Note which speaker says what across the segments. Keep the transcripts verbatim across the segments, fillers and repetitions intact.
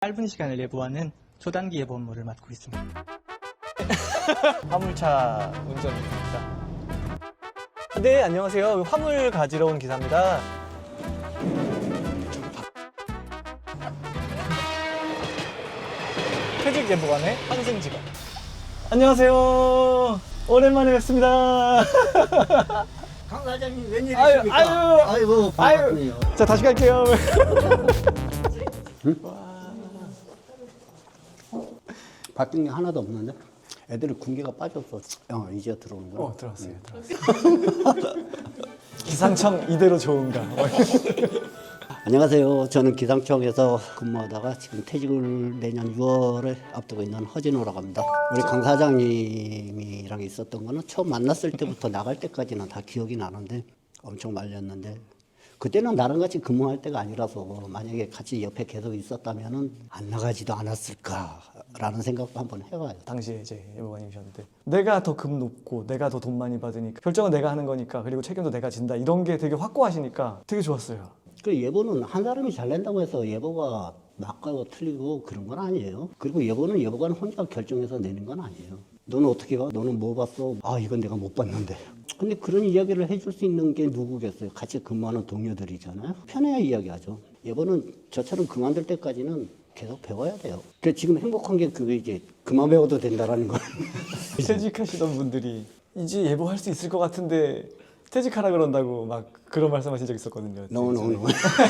Speaker 1: 짧은 시간을 예보하는 초단기 예보 업무를 맡고 있습니다.
Speaker 2: 화물차 운전입니다. 네, 안녕하세요. 화물 가지러 온 기사입니다. 퇴직 예보관의 환승 직원. 안녕하세요. 오랜만에 뵙습니다.
Speaker 3: 강 사장님 웬일이십니까?
Speaker 2: 아유, 아유,
Speaker 3: 아이고 반갑네요.
Speaker 2: 자, 다시 갈게요.
Speaker 3: 바뀐 게 하나도 없는데 애들이 군기가 빠졌어. 어, 이제 들어오는 거야.
Speaker 2: 어, 들어왔어요. 들어왔어요. 기상청 이대로 좋은가?
Speaker 3: 안녕하세요. 저는 기상청에서 근무하다가 지금 퇴직을 내년 유월에 앞두고 있는 허진호라고 합니다. 우리 강 사장님이랑 있었던 거는 처음 만났을 때부터 나갈 때까지는 다 기억이 나는데 엄청 말렸는데 그때는 나랑 같이 근무할 때가 아니라서 만약에 같이 옆에 계속 있었다면은 안 나가지도 않았을까라는 생각도 한번 해봐요.
Speaker 2: 당시에 이제 예보관님이셨는데 내가 더 급 높고 내가 더 돈 많이 받으니까 결정은 내가 하는 거니까 그리고 책임도 내가 진다 이런 게 되게 확고하시니까 되게 좋았어요.
Speaker 3: 그 예보는 한 사람이 잘 낸다고 해서 예보가 맞고 틀리고 그런 건 아니에요. 그리고 예보는 예보관 혼자 결정해서 내는 건 아니에요. 너는 어떻게 봐? 너는 뭐 봤어? 아, 이건 내가 못 봤는데. 근데 그런 이야기를 해줄 수 있는 게 누구겠어요? 같이 근무하는 동료들이잖아요. 편해야 이야기하죠. 예보는 저처럼 그만둘 때까지는 계속 배워야 돼요. 그 지금 행복한 게 그게 이제 그만 배워도 된다라는 거.
Speaker 2: 퇴직하시던 분들이 이제 예보할 수 있을 것 같은데 퇴직하라 그런다고 막 그런 말씀하신 적 있었거든요.
Speaker 3: 노노노.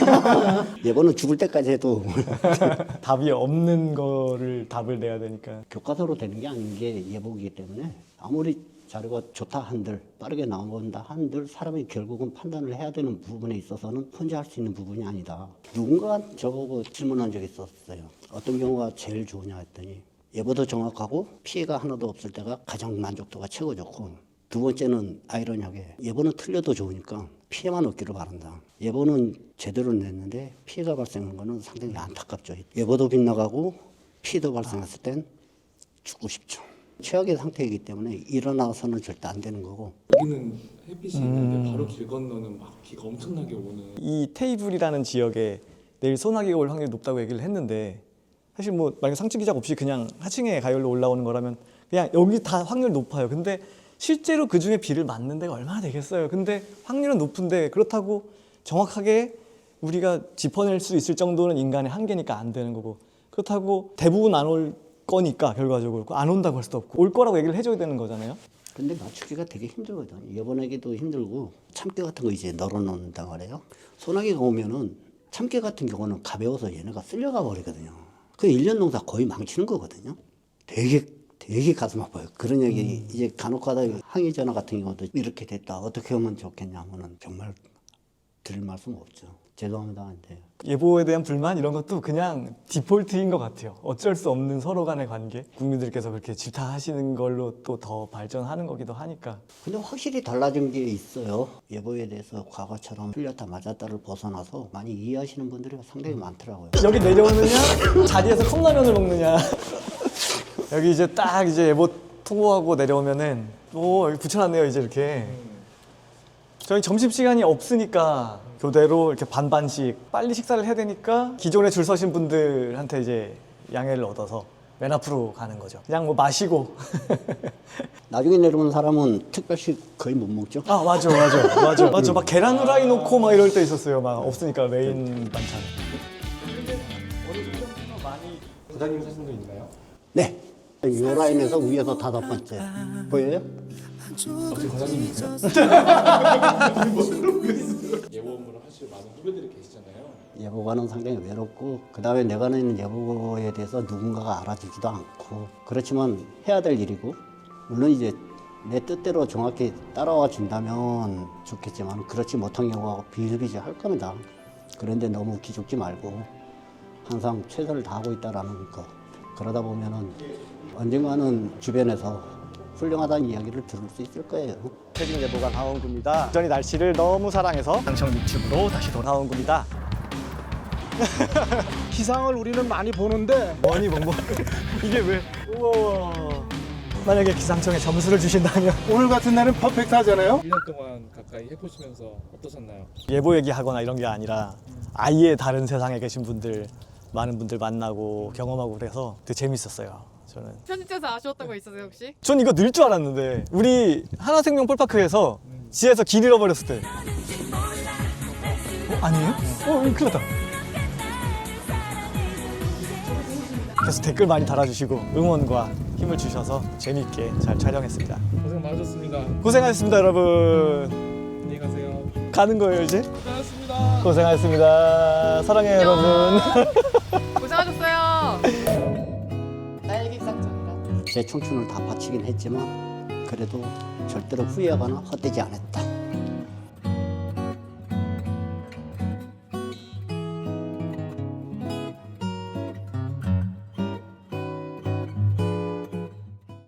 Speaker 3: 예보는 죽을 때까지 해도
Speaker 2: 답이 없는 거를 답을 내야 되니까.
Speaker 3: 교과서로 되는 게 아닌 게 예보이기 때문에 아무리 자료가 좋다 한들 빠르게 나온다 한들 사람이 결국은 판단을 해야 되는 부분에 있어서는 혼자 할 수 있는 부분이 아니다. 누군가 저보고 질문한 적이 있었어요. 어떤 경우가 제일 좋으냐 했더니 예보도 정확하고 피해가 하나도 없을 때가 가장 만족도가 최고 좋고 두 번째는 아이러니하게 예보는 틀려도 좋으니까 피해만 없기를 바란다. 예보는 제대로 냈는데 피해가 발생한 거는 상당히 안타깝죠. 예보도 빗나가고 피해도 발생했을 땐 죽고 싶죠. 최악의 상태이기 때문에 일어나서는 절대 안 되는 거고.
Speaker 4: 여기는 햇빛이 있는데 바로 길 건너는 막 비가 엄청나게 오는.
Speaker 2: 이 테이블이라는 지역에 내일 소나기가 올 확률이 높다고 얘기를 했는데 사실 뭐 만약 상층 기작 없이 그냥 하층에 가열로 올라오는 거라면 그냥 여기 다 확률 높아요. 근데 실제로 그 중에 비를 맞는 데가 얼마나 되겠어요. 근데 확률은 높은데 그렇다고 정확하게 우리가 짚어낼 수 있을 정도는 인간의 한계니까 안 되는 거고 그렇다고 대부분 안 올 거니까 결과적으로 안 온다고 할 수도 없고 올 거라고 얘기를 해줘야 되는 거잖아요.
Speaker 3: 근데 맞추기가 되게 힘들거든. 예보내기도 힘들고 참깨 같은 거 이제 널어놓는다 그래요. 소나기가 오면은 참깨 같은 경우는 가벼워서 얘네가 쓸려가 버리거든요. 그 일 년 농사 거의 망치는 거거든요. 되게 되게 가슴 아파요. 그런 얘기 음. 이제 간혹 가다 항의 전화 같은 경우도 이렇게 됐다. 어떻게 하면 좋겠냐 하면은 정말 드릴 말씀 없죠. 죄송합니다. 근데
Speaker 2: 예보에 대한 불만 이런 것도 그냥 디폴트인 것 같아요. 어쩔 수 없는 서로 간의 관계. 국민들께서 그렇게 질타하시는 걸로 또 더 발전하는 거기도 하니까.
Speaker 3: 근데 확실히 달라진 게 있어요. 예보에 대해서 과거처럼 틀렸다 맞았다를 벗어나서 많이 이해하시는 분들이 상당히 많더라고요.
Speaker 2: 여기 내려오느냐 자리에서 컵라면을 먹느냐. 여기 이제 딱 이제 예보 통보하고 내려오면은 오 여기 붙여놨네요 이제 이렇게. 저희 점심시간이 없으니까 교대로 이렇게 반반씩 빨리 식사를 해야 되니까 기존에 줄 서신 분들한테 이제 양해를 얻어서 맨 앞으로 가는 거죠. 그냥 뭐 마시고.
Speaker 3: 나중에 내려오는 사람은 특별식 거의 못 먹죠.
Speaker 2: 아 맞아 맞아 맞아 맞아 막 계란 후라이 놓고 막 이럴 때 있었어요. 막 없으니까 메인 반찬.
Speaker 4: 부장님 사진도 있나요?
Speaker 3: 네. 이 라인에서 위에서 다섯 번째 보여요?
Speaker 4: 혹시 과장님이세요? 예보 업무를 하실 많은 후배들이 계시잖아요.
Speaker 3: 예보관은 상당히 외롭고 그 다음에 내가 내는 예보에 대해서 누군가가 알아주지도 않고 그렇지만 해야 될 일이고 물론 이제 내 뜻대로 정확히 따라와 준다면 좋겠지만 그렇지 못한 경우가 비일비재할 겁니다. 그런데 너무 기죽지 말고 항상 최선을 다하고 있다라는 거. 그러다 보면은 언젠가는 주변에서 훌륭하다는 이야기를 들을 수 있을 거예요.
Speaker 2: 퇴직 예보관 하원구입니다. 전이 날씨를 너무 사랑해서 기상청 유튜브로 다시 돌아온 겁니다.
Speaker 5: 기상을 우리는 많이 보는데
Speaker 2: 뭐니 뭐뭐 이게 왜? 우와. 만약에 기상청에 점수를 주신다면
Speaker 5: 오늘 같은 날은 퍼펙트 하잖아요.
Speaker 4: 일 년 동안 가까이 해보시면서 어떠셨나요?
Speaker 2: 예보 얘기하거나 이런 게 아니라 아예 다른 세상에 계신 분들 많은 분들 만나고 경험하고 그래서 되게 재밌었어요. 저는.
Speaker 6: 편집돼서 아쉬웠던 거 있으세요 혹시?
Speaker 2: 전 이거 늘 줄 알았는데 우리 하나생명 폴파크에서 지하에서 길 잃어버렸을 때 어? 아니에요? 어 이거 큰일 났다. 그래서 댓글 많이 달아주시고 응원과 힘을 주셔서 재미있게 잘 촬영했습니다.
Speaker 4: 고생 많으셨습니다.
Speaker 2: 고생하셨습니다 여러분.
Speaker 4: 안녕히 가세요.
Speaker 2: 가는 거예요 이제?
Speaker 4: 고생하셨습니다.
Speaker 2: 고생하셨습니다. 사랑해요 여러분.
Speaker 6: 고생하셨어요. 나에게 기상청이라.
Speaker 3: 제 청춘을 다 바치긴 했지만 그래도 절대로 후회하거나 헛되지 않았다.